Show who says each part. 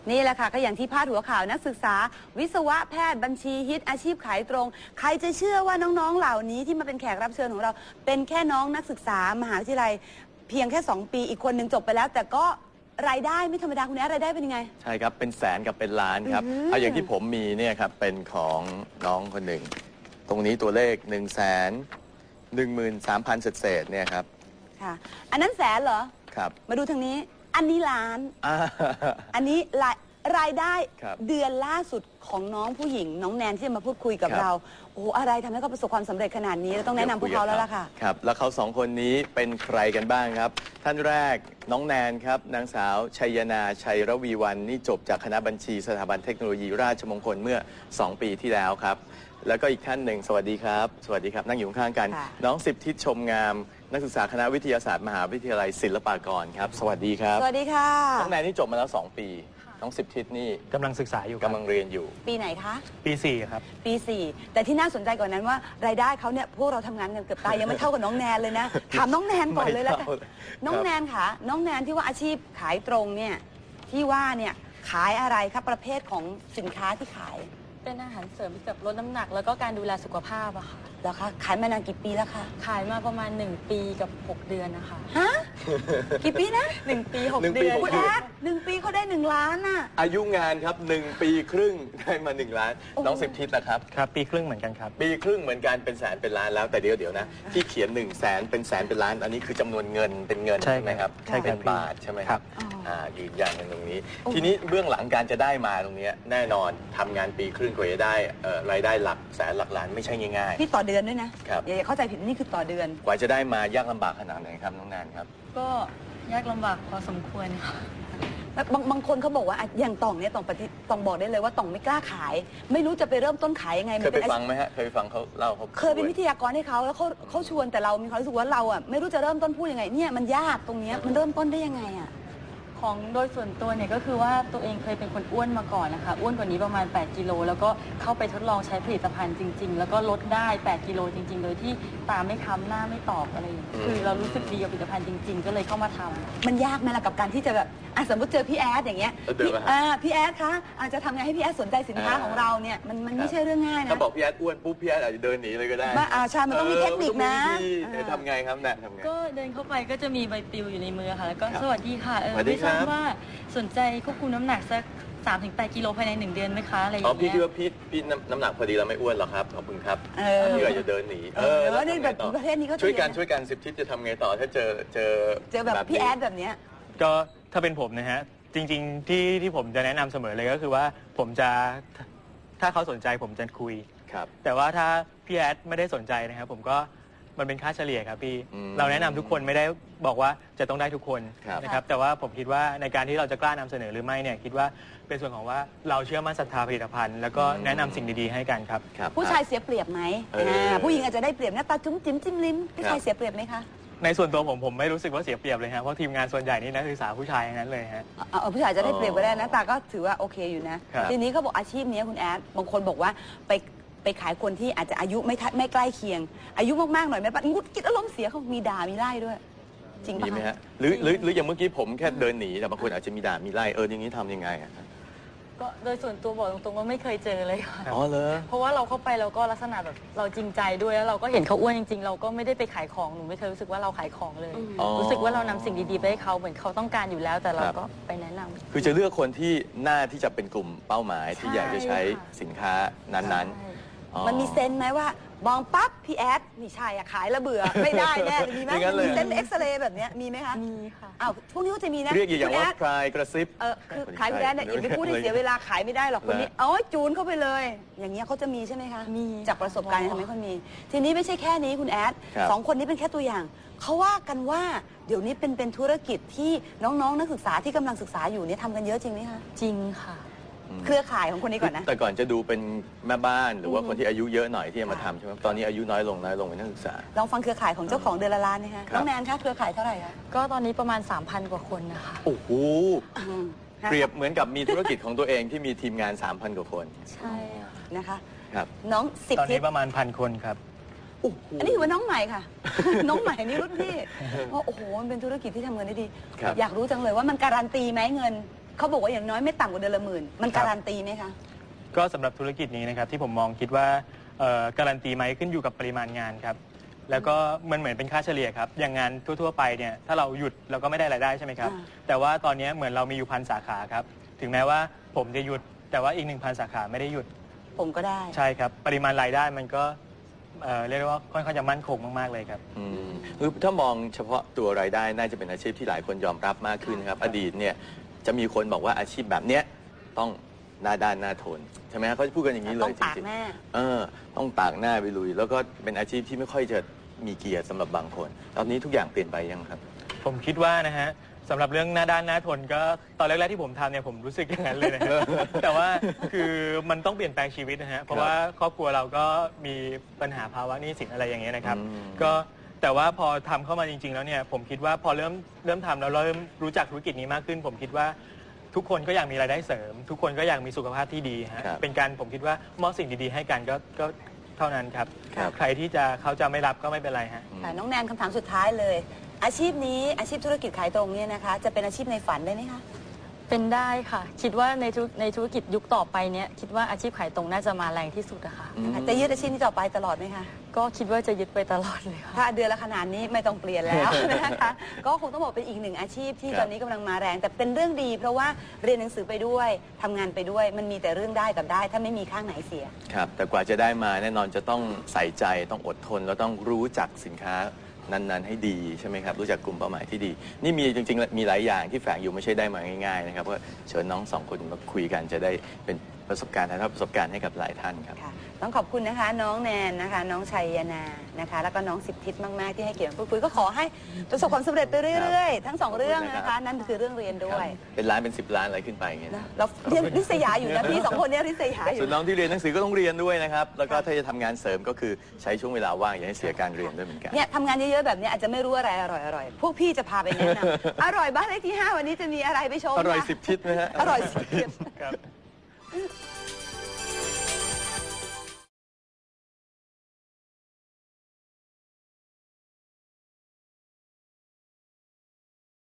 Speaker 1: นี่แหละค่ะก็อย่างที่พาดหัวข่าวนักศึกษาวิศวะแพทย์บัญชีฮิตอาชีพขายตรงใครจะเชื่อว่าน้องๆเหล่านี้ที่มาเป็นแขกรับเชิญของเราเป็นแค่น้องนักศึกษามหาวิทยาลัยเพียงแค่2 ปีอีกคนหนึ่งจบไปแล้วแต่ก็รายได้ไม่ธรรมดาคุณแอ๊ดรายได้เป็นยังไง
Speaker 2: ใช่ครับเป็นแสนกับเป็นล้านครับเอาอย่างที่ผมมีเนี่ยครับเป็นของน้องคนหนึ่งตรงนี้ตัวเลข113,000เศษเนี่ยครับ
Speaker 1: ค่ะอันนั้นแสนเหรอ
Speaker 2: ครับ
Speaker 1: มาดูทางนี้อันนี้ล้านอันนี้รายได้เดือนล่าสุดของน้องผู้หญิงน้องแนนที่จะมาพูดคุยกับเราโอ้อะไรทำให้เขาประสบความสำเร็จขนาดนี้เราต้องแนะนำพวกเขาแล้วล่ะค่ะ
Speaker 2: ครับแล้วเขา2 คนนี้เป็นใครกันบ้างครับท่านแรกน้องแนนครับนางสาวชัยนาชัยระวีวรรณนี่จบจากคณะบัญชีสถาบันเทคโนโลยีราชมงคลเมื่อ2 ปีที่แล้วครับแล้วก็อีกท่านหนึ่งสวัสดีครับสวัสดีครับนั่งอยู่ข้างกันน้องสิบทิศชมงามนักศึกษาคณะวิทยาศาสตร์มหาวิทยาลัยศิลปากรครับสวัสดีครับ
Speaker 1: สวัสดีค่ะ
Speaker 2: น้องแนนนี่จบมาแล้ว2 ปีน้องสิบทิศนี่
Speaker 3: กำลังศึกษาอยู่
Speaker 2: กำลังเรียนอยู่
Speaker 1: ปีไหนคะ
Speaker 3: ปี4ครับ
Speaker 1: ปี4แต่ที่น่าสนใจกว่านั้นว่ารายได้เขาเนี่ยพวกเราทำงานกันเกือบตายยังไม่เท่ากับน้องแนนเลยนะถามน้องแนนก่อนเลยแล้วกันน้องแนนค่ะน้องแนนที่ว่าอาชีพขายตรงเนี่ยที่ว่าเนี่ยขายอะไรครับประเภทของสินค้าที่ขาย
Speaker 4: เป็นอาหารเสริมเกี่ยวกับลดน้ำหนักแล้วก็การดูแลสุขภาพอะค่ะ
Speaker 1: แล้วคะขายมานานกี่ปีแล้วคะ
Speaker 4: ขายมาประมาณ1 ปีกับ6 เดือนนะคะ
Speaker 1: ฮะกี่ปีนะ
Speaker 4: 1 ปี 6 เดือน
Speaker 1: คุณแอ๊ด1 ปีเขาได้1 ล้านน่ะ
Speaker 2: อายุงานครับ1 ปีครึ่งได้มา1 ล้านน้องสิบทิศนะครับ
Speaker 3: ครับปีครึ่งเหมือนกันครับ
Speaker 2: ปีครึ่งเหมือนกันเป็นแสนเป็นล้านแล้วแต่เดี๋ยวนะที่เขียน100,000เป็นแสนเป็นล้านอันนี้คือจำนวนเงินเป็นเงินใช่ไหมครับ
Speaker 3: ใช่
Speaker 2: เป็นบาทใช่ไหมครับยืนยันกันตรงนี้ทีนี้เบื้องหลังการจะได้มาตรงนี้แน่นอนทำงานปีครึ่งกว่าจะได้รายได้หลักแสนหลักล้านไม่ใช่ง่าย
Speaker 1: ๆพี่ต่อเดือนด้วยนะอย่าเข้าใจผิดนี่คือต่อเดือน
Speaker 2: กว่าจะได้มายากลำบากขนาดไหนครับน้องแนนครับ
Speaker 4: ก็ยากลำบากพอสมควรค่ะ
Speaker 1: บางคนเขาบอกว่าอย่างต่องเนี่ยต่องบอกได้เลยว่าต่องไม่กล้าขายไม่รู้จะไปเริ่มต้นขายยังไง
Speaker 2: เคยไปฟังไหมฮะเคยฟังเขาเล่าเขา
Speaker 1: เคยเป็นวิทยากรให้เขาแล้วเขาชวนแต่เรามีความรู้สึกว่าเราอ่ะไม่รู้จะเริ่มต้นพูดยังไงเนี่ยมันยากตรงนี้มันเริ่มต้นได้ยังไงอ่ะ
Speaker 4: ของโดยส่วนตัวเนี่ยก็คือว่าตัวเองเคยเป็นคนอ้วนมาก่อนนะคะอ้วนกว่านี้ประมาณ8 กิโลแล้วก็เข้าไปทดลองใช้ผลิตภัณฑ์จริงๆแล้วก็ลดได้8 กิโลจริงๆโดยที่ตาไม่ค้ำหน้าไม่ตอบอะไรอย่างเงี้ยคือเรารู้สึกดีกับผลิตภัณฑ์จริงๆก็เลยเข้ามาทำ
Speaker 1: มันยากไหมล่ะกับการที่จะแบบสมมติเจอพี่แอดอย่างเงี้ยพี่แอดคะอาจจะทำไงให้พี่แอดสนใจสินค้าของเราเนี่ยมันไม่ใช่เรื่องง่ายนะ
Speaker 2: ถ้าบอกพี่แอดอ้วนปุ๊บพี่แอดอาจจะเดินหนีเลยก็ได้
Speaker 1: ใช่มันต้องมีเทคนิคนะ
Speaker 2: ทำไงครับแนนทำไง
Speaker 4: ก็เดินเข้าไปก็จะมีใบปลิวอยู่ในมือค่ะแล้วก็สวัสดีค่ะไม่ทราบว่าสนใจควบคุมน้ำหนักสัก3-8 กิโลภายใน1 เดือนไหมคะอะไรอย่างเงี้ย
Speaker 2: พี่คิดว่าพี่น้ำหนักพอดีเราไม่อ้วนหรอกครับขอบคุณครับพี่อาจจะเดินหนี
Speaker 1: แล้วในแบบประเทศนี้ก็
Speaker 2: ช่วยกันสิบทิศจะทำไงต่อถ้าเจอ
Speaker 1: แบบพี่แอดแบบเนี้ย
Speaker 3: ก็ถ้าเป็นผมนะฮะจริงๆที่ผมจะแนะนำเสมอเลยก็คือว่าผมจะถ้าเขาสนใจผมจะคุย
Speaker 2: ครับ
Speaker 3: แต่ว่าถ้าพี่แอดไม่ได้สนใจนะครับผมก็มันเป็นค่าเฉลี่ยครับพี่เราแนะนำทุกคนไม่ได้บอกว่าจะต้องได้ทุกคนนะครับแต่ว่าผมคิดว่าในการที่เราจะกล้านำเสนอหรือไม่เนี่ยคิดว่าเป็นส่วนของว่าเราเชื่อมั่นศรัทธาผลิตภัณฑ์แล้วก็แนะนำสิ่งดีๆให้กันครับ
Speaker 1: ผู้ชายเสียเปรียบไหมผู้หญิงอาจจะได้เปรียบหน้าตาจุ้มจิ้มจิ้มลิ้มผู้ชายเสียเปรียบไหมคะ
Speaker 3: ในส่วนตัวผมไม่รู้สึกว่าเสียเปรียบเลยฮะเพราะทีมงานส่วนใหญ่นี่นักศึกษาผู้ชายนั้นเลยฮะ
Speaker 1: ผู้ชายจะได้เปรียบก็ได้นะตาก็ถือว่าโอเคอยู่นะทีนี้เขาบอกอาชีพนี้คุณแอดบางคนบอกว่าไปขายคนที่อาจจะอายุไม่ใกล้เคียงอายุมากๆหน่อยแม่ปะงุดกิดอารมณ์เสียเขามีด่ามีไล่ด้วยจริง
Speaker 2: ไหมฮะหรืออย่างเมื่อกี้ผมแค่เดินหนีแต่บางคนอาจจะมีด่ามีไล่อย่างนี้ทำยังไง
Speaker 4: ก็โดยส่วนตัวบอกตรงๆว่าไม่เคยเจอเลยค่ะ
Speaker 2: อ๋อเหรอ
Speaker 4: เพราะว่าเราเข้าไปเราก็ลักษณะแบบเราจริงใจด้วยแล้วเราก็เห็นเขาอ้วนจริงๆเราก็ไม่ได้ไปขายของหนูไม่เคยรู้สึกว่าเราขายของเลยรู้สึกว่าเรานำสิ่งดีๆไปให้เขาเหมือนเขาต้องการอยู่แล้วแต่เราก็ไปแนะนำ
Speaker 2: คือจะเลือกคนที่น่าที่จะเป็นกลุ่มเป้าหมายที่อยากจะใช้สินค้านั้นๆ
Speaker 1: มันมีเซนไหมว่ามองปั๊บพี่แอดนี่ใช่อะขายแล้วเบื่อไม่ได้แน่มีไหมมีเซนเอ็กซเรย์แบบนี้มีไหมคะ
Speaker 4: มีค่ะ
Speaker 1: พวกนี้ก็จะมีนะ
Speaker 2: เรียกอย่างว่าคลายกระซิบ
Speaker 1: คือขายพี่แอดเนี่ยอย่าไปพูดให้เสียเวลาขายไม่ได้หรอกคนนี้จูนเข้าไปเลยอย่างเงี้ยเขาจะมีใช่ไหมคะ
Speaker 4: มี
Speaker 1: จากประสบการณ์ทำให้เขามีทีนี้ไม่ใช่แค่นี้คุณแอด2 คนนี้เป็นแค่ตัวอย่างเขาว่ากันว่าเดี๋ยวนี้เป็นธุรกิจที่น้องๆนักศึกษาที่กำลังศึกษาอยู่เนี่ยทำกันเยอะจริงไหมคะ
Speaker 4: จริงค่ะ
Speaker 1: เครือข่ายของคนนี้ก่อนนะ
Speaker 2: แต่ก่อนจะดูเป็นแม่บ้านหรือว่าคนที่อายุเยอะหน่อยที่จะมาทำใช่ไหมตอนนี้อายุน้อยลงเป็นนักศึกษา
Speaker 1: ลองฟังเครือข่ายของเจ้าของเดือนละล้านนะคะน้องแนนคะเครือข่ายเท่าไหร่คะ
Speaker 4: ก็ตอนนี้ประมาณ 3,000 กว่าคนนะคะ
Speaker 2: โอ้โหเปรียบเหมือนกับมีธุรกิจของตัวเองที่มีทีมงาน 3,000 กว่าคน
Speaker 4: ใช่
Speaker 1: นะคะ
Speaker 2: ครับ
Speaker 1: น้อง10
Speaker 3: ตอนนี้ประมาณ1,000 คนครับ
Speaker 1: อันนี้ถือว่าน้องใหม่ค่ะน้องใหม่นี่รุ่นพี่เพราะโอ้โหมันเป็นธุรกิจที่ทำเงินได้ดีอยากรู้จังเลยว่ามันการันตีไหมเงินเขาบอกว่าอย่างน้อยไม่ต่ำกว่าเดือนละ10,000มันการันตีไหมคะ
Speaker 3: ก็สำหรับธุรกิจนี้นะครับที่ผมมองคิดว่าการันตีไหมขึ้นอยู่กับปริมาณงานครับแล้วก็มันเหมือนเป็นค่าเฉลี่ยครับอย่างงานทั่วๆไปเนี่ยถ้าเราหยุดเราก็ไม่ได้รายได้ใช่ไหมครับแต่ว่าตอนนี้เหมือนเรามีอยู่1,000 สาขาครับถึงแม้ว่าผมจะหยุดแต่ว่าอีก 1,000 สาขาไม่ได้หยุด
Speaker 1: ผมก็ได้
Speaker 3: ใช่ครับปริมาณรายได้มันก็เรียกได้ว่าค่อนข้างจะมั่นคงมากๆเลยครับ
Speaker 2: คือถ้ามองเฉพาะตัวรายได้น่าจะเป็นอาชีพที่หลายคนยอมรับมากขึ้นครับอดีตเนี่ยจะมีคนบอกว่าอาชีพแบบเนี้ยต้องหน้าด้านหน้าทนใช่ไหมครับเขาจะพูดกันอย่างนี้เลยจริงๆต้องตากหน้าไปลุยแล้วก็เป็นอาชีพที่ไม่ค่อยจะมีเกียรติสำหรับบางคนตอนนี้ทุกอย่างเปลี่ยนไปยังครับ
Speaker 3: ผมคิดว่านะฮะสำหรับเรื่องหน้าด้านหน้าทนก็ตอนแรกๆที่ผมทำเนี่ยผมรู้สึกอย่างนั้นเลยนะ แต่ว่าคือมันต้องเปลี่ยนแปลงชีวิตนะฮะเพราะว่าครอบครัวเราก็มีปัญหาภาวะหนี้สินอะไรอย่างเงี้ยนะครับก็แต่ว่าพอทำเข้ามาจริงๆแล้วเนี่ยผมคิดว่าพอเริ่มทำแล้วเริ่มรู้จักธุรกิจนี้มากขึ้นผมคิดว่าทุกคนก็อยากมีรายได้เสริมทุกคนก็อยากมีสุขภาพที่ดีฮะเป็นการผมคิดว่ามอบสิ่งดีๆให้กันก็เท่านั้นครับใครที่เขาจะไม่รับก็ไม่เป็นไรฮะ
Speaker 1: น้องแนนคำถามสุดท้ายเลยอาชีพนี้อาชีพธุรกิจขายตรงเนี่ยนะคะจะเป็นอาชีพในฝันได้ไหมคะ
Speaker 4: เป็นได้ค่ะคิดว่าในธุรกิจยุคต่อไปเนี้ยคิดว่าอาชีพขายตรงน่าจะมาแรงที่สุดอะค่ะ
Speaker 1: จะยึดอาชีพนี้ต่อไปตลอดไหมคะ
Speaker 4: ก็คิดว่าจะยึดไปตลอดเลยค่ะ
Speaker 1: ถ้าเดือนละขนาดนี้ไม่ต้องเปลี่ยนแล้วนะคะก็คงต้องบอกเป็นอีกหนึ่งอาชีพที่ตอนนี้กำลังมาแรงแต่เป็นเรื่องดีเพราะว่าเรียนหนังสือไปด้วยทำงานไปด้วยมันมีแต่เรื่องได้กับได้ถ้าไม่มีข้างไหนเสีย
Speaker 2: ครับแต่กว่าจะได้มาแน่นอนจะต้องใส่ใจต้องอดทนแล้วต้องรู้จักสินค้านั้นๆให้ดีใช่ไหมครับรู้จักกลุ่มเป้าหมายที่ดีนี่มีจริงๆมีหลายอย่างที่แฝงอยู่ไม่ใช่ได้มาง่ายๆนะครับก็เชิญน้อง2 คนมาคุยกันจะได้เป็นประสบการณ์ถ่ายทอดประสบการณ์ให้กับหลายท่านครับ
Speaker 1: ต้องขอบคุณนะคะน้องแนนนะคะน้องชัยนานะคะแล้วก็น้องสิบทิศมากๆที่ให้เกียรติพูดคุยก็ขอให้ประสบความสำเร็จไปเรื่อยๆทั้ง2เรื่องนะคะนั่นคือเรื่องเรียนด้วย
Speaker 2: เป็นล้านเป็น10 ล้านอะไรขึ้นไปอย่างเงี้ย
Speaker 1: เราเรียนริษยาอยู่นะพี่2 คนนี้ริษยาอยู่
Speaker 2: ส่วนน้องที่เรียนหนังสือก็ต้องเรียนด้วยนะครับแล้วก็ถ้าจะทำงานเสริมก็คือใช้ช่วงเวลาว่างอย่าให้เสียการเรียนด้วยเหมือนกัน
Speaker 1: เนี่ยทำงานเยอะๆแบบนี้อาจจะไม่รู้อะไรอร่อยๆพวกพี่จะพาไปแนะนำอร่อยบ้านเลขที่5วันนี้จะมีอะไรไปชม
Speaker 2: อร่อย10 ทิศนะฮะ
Speaker 1: อร่อย10 ทิศ